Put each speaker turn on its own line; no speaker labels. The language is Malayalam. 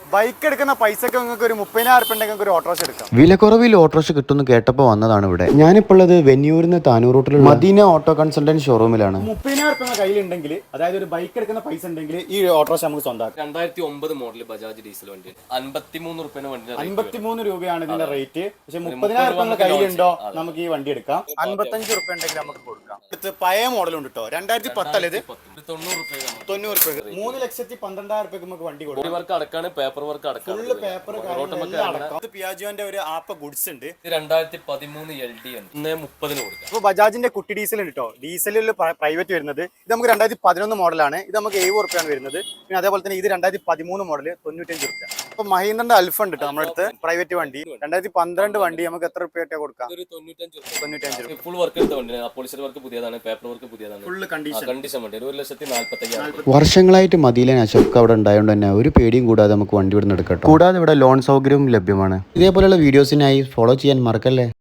ബൈക്ക് എടുക്കുന്ന പൈസക്ക് നിങ്ങൾക്ക് ഒരു 30,000 ഉണ്ടെങ്കിൽ ഒരു ഓട്ടോറിക്ഷ എടുക്കാം.
വിലക്കുറവിൽ ഓട്ടോറിക്ഷ കിട്ടുമെന്ന് കേട്ടപ്പോൾ വന്നതാണ് ഇവിടെ. ഞാനിപ്പോൾ ഉള്ളത് വെന്നൂരിൽ നിന്ന് താനൂർ റൂട്ടിലുള്ള മദീന ഓട്ടോ കൺസൾട്ടന്റ് ഷോറൂമിലാണ്.
30,000 കയ്യിലുണ്ടെങ്കിൽ, അതായത് ഒരു ബൈക്ക് എടുക്കുന്ന പൈസ ഉണ്ടെങ്കിൽ ഈ ഓട്ടോറിക്ഷ നമുക്ക് സ്വന്തമാക്കാം.
2009 മോഡൽ ബജാജ് ഡീസൽ വണ്ടി
53 രൂപയാണ് ഇതിന്റെ റേറ്റ്. പക്ഷെ 30,000 കയ്യിലുണ്ടോ നമുക്ക് ഈ വണ്ടി എടുക്കാം. 55 റുപ്യ ഉണ്ടെങ്കിൽ നമുക്ക് കൊടുക്കാം. അടുത്ത് പഴയ മോഡൽ ഉണ്ട് കേട്ടോ, 2010 അല്ലേ ഇത്, 90 റുപ്യ 3,12,000 നമുക്ക് വണ്ടി കൊടുക്കാം.
പേപ്പർ വർക്ക് അടക്കം
പിയാജോന്റെ ഒരു ആപ്പ് ഗുഡ്സ് ഉണ്ട്.
2013 LD 30 കൊടുക്കാം.
അപ്പോൾ ബജാജിന്റെ കുട്ടി ഡീസൽ ഉണ്ട് കേട്ടോ, ഡീസലിൽ പ്രൈവറ്റ് വരുന്നത്. ഇത് നമുക്ക് 2011 മോഡലാണ്. ഇത് നമുക്ക് 70 റുപ്യാണ് വരുന്നത്. പിന്നെ അതേപോലെ തന്നെ ഇത് 2013 മോഡൽ 95 റുപ്യ. അപ്പൊ മഹീന്ദ്രന്റെ അൽഫ ഉണ്ട് കേട്ടോ നമ്മുടെ അടുത്ത്, പ്രൈവറ്റ് വണ്ടി. 2012 വണ്ടി നമുക്ക് എത്ര റുപ്യ കൊടുക്കാം? 95 രൂപ.
ഫുൾ വർക്ക് എടുത്ത വണ്ടി, പോളിഷർ വർക്ക് പുതിയതാണ്, പേപ്പർ വർക്ക് പുതിയതാണ്,
ഫുൾ കണ്ടീഷൻ
വണ്ടി 1,45,000.
വർഷങ്ങളായിട്ട് മദീന അശോക് അവിടെ ഉണ്ടായതുകൊണ്ട് തന്നെ ഒരു പേടിയും കൂടാതെ നമുക്ക് വണ്ടി ഇവിടുന്ന് എടുക്കാം. കൂടാതെ ഇവിടെ ലോൺ സൗകര്യവും ലഭ്യമാണ്. ഇതേപോലെയുള്ള വീഡിയോസിനായി ഫോളോ ചെയ്യാൻ മറക്കല്ലേ.